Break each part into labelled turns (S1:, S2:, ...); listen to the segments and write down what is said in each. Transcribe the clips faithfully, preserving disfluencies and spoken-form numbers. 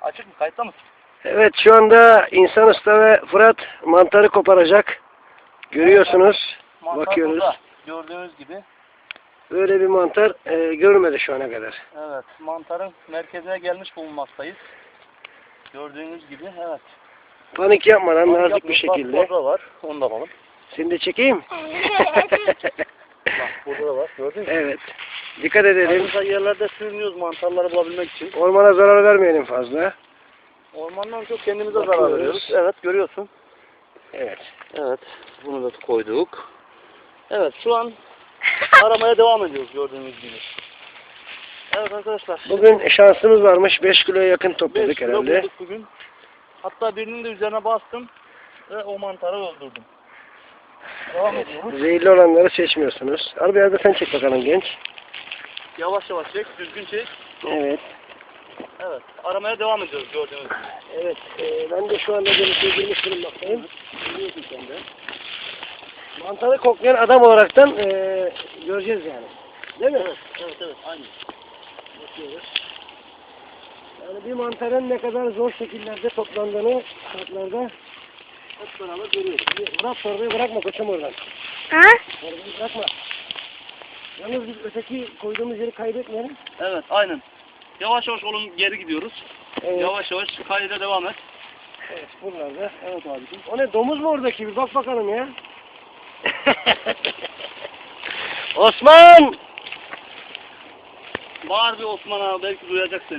S1: Açık mı? Kayıtta mısın?
S2: Evet, şu anda İnsan Usta ve Fırat mantarı koparacak. Görüyorsunuz.
S1: Mantar
S2: Bakıyoruz.
S1: burada. Gördüğünüz gibi.
S2: Böyle bir mantar e, görmedi şu ana kadar.
S1: Evet. Mantarın merkezine gelmiş bulunmaktayız. Gördüğünüz gibi. Evet.
S2: Panik yapmadan
S1: Panik
S2: nazik bir
S1: yapmayın.
S2: şekilde.
S1: Bak, burada var. Onu da alalım.
S2: Seni de çekeyim.
S1: Bak burada da var. Gördün mü?
S2: Evet. Dikkat edelim.
S1: Arada yerlerde sürünüyoruz mantarları bulabilmek için.
S2: Ormana zarar vermeyelim fazla.
S1: Ormandan çok kendimize
S2: Bakıyoruz.
S1: zarar veriyoruz. Evet, görüyorsun.
S2: Evet.
S1: Evet. Bunu da koyduk. Evet, şu an aramaya devam ediyoruz gördüğünüz gibi. Evet arkadaşlar.
S2: Bugün şansımız varmış. beş kiloya yakın topladık
S1: beş kilo
S2: herhalde.
S1: bulduk bugün. Hatta birinin de üzerine bastım ve o mantarı öldürdüm. Devam ediyoruz.
S2: Zehirli olanları seçmiyorsunuz. Al biraz da sen çek bakalım genç.
S1: Yavaş yavaş çek, düzgün çek.
S2: Evet.
S1: Evet, aramaya devam ediyoruz gördüğünüz gibi.
S2: Evet. E, ben de şu anda denize girmiş bulunmaktayım.
S1: Biliyorsun sen de.
S2: Mantarı koklayan adam olaraktan e, göreceğiz yani. Değil mi?
S1: Evet, evet, evet, aynı.
S2: Bakıyoruz. Yani bir mantarın ne kadar zor şekillerde toplandığını şartlarda hep beraber görüyoruz. Bir Bırak torbayı, bırakma koçum oradan.
S3: Ha?
S2: Torbayı bırakma. Yalnız biz öteki koyduğumuz yeri kaybetmeyelim.
S1: Evet, aynen. Yavaş yavaş oğlum geri gidiyoruz.
S2: Evet.
S1: Yavaş yavaş kayda devam et.
S2: Evet, buralarda.
S1: Evet abicim.
S2: O ne, domuz mu oradaki? Bir bak bakalım ya. Osman!
S1: Bağır bir Osman abi, belki duyacak seni.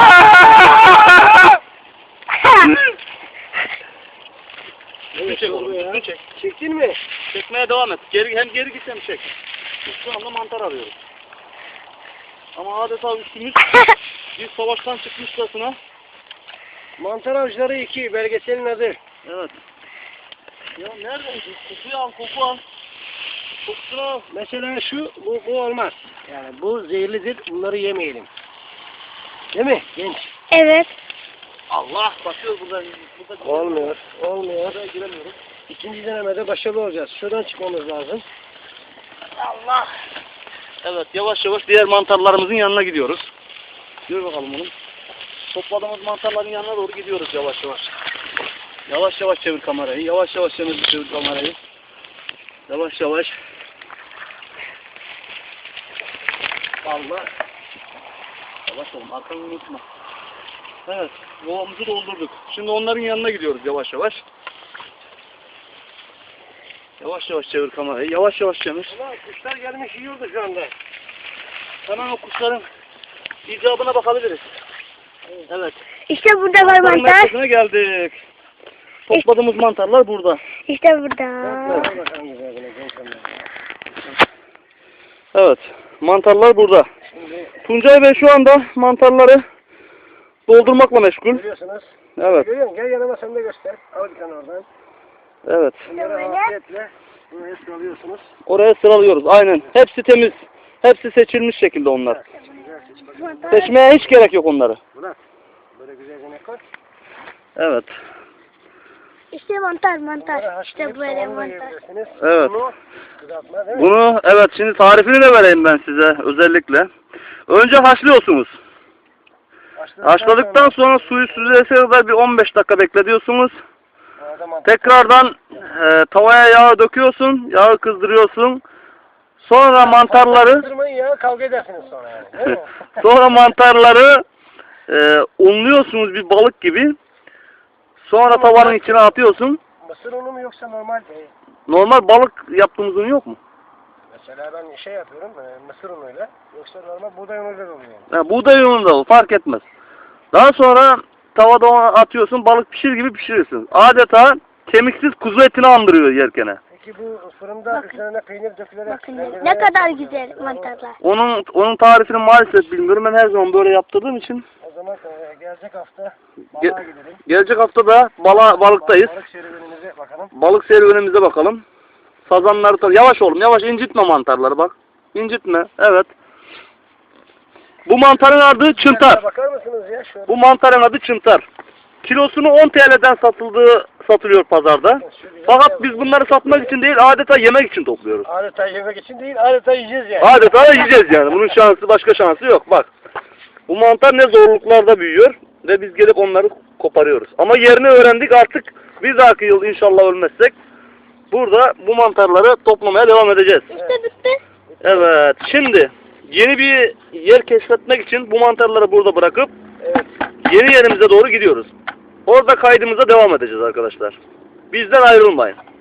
S1: Düzgün çek oğlum, düzgün çek.
S2: Çektin mi?
S1: Çekmeye devam et. Geri, hem geri git hem çek. Biz şu anda mantar arıyoruz. Ama adeta üstümüz bir savaştan çıkmışçasına.
S2: Mantar Avcıları iki, belgeselin adı.
S1: Evet. Ya nereden? Kokuyu al, koku al. Kokusunu al.
S2: Mesela şu, bu, bu olmaz. Yani bu zehirlidir, bunları yemeyelim. Değil mi genç?
S3: Evet.
S1: Allah! Bakıyoruz buradan. burada
S2: Olmuyor, olmuyor.
S1: Buraya giremiyoruz.
S2: İkinci denemede başarılı olacağız. Şuradan çıkmamız lazım.
S1: Allah! Evet, yavaş yavaş diğer mantarlarımızın yanına gidiyoruz. Gör bakalım oğlum. Topladığımız mantarların yanına doğru gidiyoruz yavaş yavaş. Yavaş yavaş çevir kamerayı. Yavaş yavaş çevir, çevir kamerayı. Yavaş yavaş. Allah. Yavaş oğlum, arkanı unutma. Evet, kovamızı doldurduk. Şimdi onların yanına gidiyoruz yavaş yavaş. Yavaş yavaş çevir kamerayı. Yavaş yavaş çevir.
S2: Ulan kuşlar gelmiş yiyordu şu anda.
S1: Hemen o kuşların icabına bakabiliriz. Evet.
S3: İşte burada var
S1: Mantarın
S3: mantar.
S1: merkezine geldik. Topladığımız mantarlar burada.
S3: İşte burada.
S2: Bak bakalım güzelce, genç onlar.
S1: Evet. Mantarlar burada.
S2: Şimdi
S1: Tuncay Bey şu anda mantarları doldurmakla meşgul.
S2: görüyorsunuz.
S1: Evet.
S2: Görüyor musun? Gel yanıma sen de göster. Al bir tane oradan.
S1: Evet.
S2: Bunları
S3: Böyle.
S2: afiyetle buraya sıralıyorsunuz.
S1: Oraya sıralıyoruz. Aynen. Hepsi temiz. Hepsi seçilmiş şekilde onlar.
S2: Güzel seç bakalım.
S3: Mantar.
S1: Seçmeye hiç gerek yok onları.
S2: Murat, böyle güzelce ne koy.
S1: Evet.
S3: İşte mantar
S2: Bunları
S3: mantar.
S2: haşlayıp
S3: İşte böyle
S2: soğanla
S3: mantar.
S2: yiyebilirsiniz.
S1: Evet.
S2: Bunu kızartma değil mi?
S1: Bunu evet şimdi tarifini de vereyim ben size özellikle. Önce haşlıyorsunuz.
S2: Haşladıktan
S1: Haşladıktan sonra suyu süzülese kadar bir on beş dakika bekletiyorsunuz.
S2: sonra mantar-
S1: Tekrardan e, tavaya yağı döküyorsun, yağı kızdırıyorsun. Sonra mantarları
S2: Kızdırmayın ya, kavga edersiniz sonra yani. Değil mi?
S1: sonra mantarları e, unluyorsunuz bir balık gibi. Sonra tavanın içine atıyorsun.
S2: Mısır unu mu yoksa normal değil?
S1: Normal balık yaptığımız un yok mu?
S2: Mesela ben şey yapıyorum, e, mısır unuyla. Yoksa normal buğday unuyla da oluyor yani.
S1: Ha, buğday unu da olur, fark etmez. Daha sonra tavada onu atıyorsun, balık pişir gibi pişirirsin. Adeta kemiksiz kuzu etini andırıyor yerkene.
S2: Peki bu fırında
S3: Bakın.
S2: üzerine peynir dökülerek...
S3: Bakın
S2: rendelene-
S3: ne kadar güzel mantarlar.
S1: Onun onun tarifini maalesef bilmiyorum. Ben her zaman böyle yaptırdığım için.
S2: O zaman e, gelecek hafta
S1: Ge-
S2: balığa gidelim.
S1: Gelecek hafta da bala, balıktayız.
S2: Balık serüvenimize bakalım.
S1: Balık serüvenimize bakalım. Sazanları tar. Yavaş oğlum, yavaş incitme mantarları bak. İncitme. Evet. Bu mantarın adı çıntar.
S2: Bakar mısınız ya? Şöyle.
S1: Bu mantarın adı çıntar. Kilosunu on T L'den satıldığı satılıyor pazarda. Fakat biz bunları satmak için değil, adeta yemek için topluyoruz.
S2: Adeta yemek için değil, adeta yiyeceğiz yani.
S1: Adeta yiyeceğiz yani. Bunun şansı, başka şansı yok. Bak. Bu mantar ne zorluklarda büyüyor. ve biz gelip onları koparıyoruz. Ama yerini öğrendik artık. Bir dahaki yıl inşallah ölmezsek burada bu mantarları toplamaya devam edeceğiz.
S3: İşte bitti.
S1: Evet, şimdi yeni bir yer keşfetmek için bu mantarları burada bırakıp
S2: Evet.
S1: yeni yerimize doğru gidiyoruz. Orada kaydımıza devam edeceğiz arkadaşlar. Bizden ayrılmayın.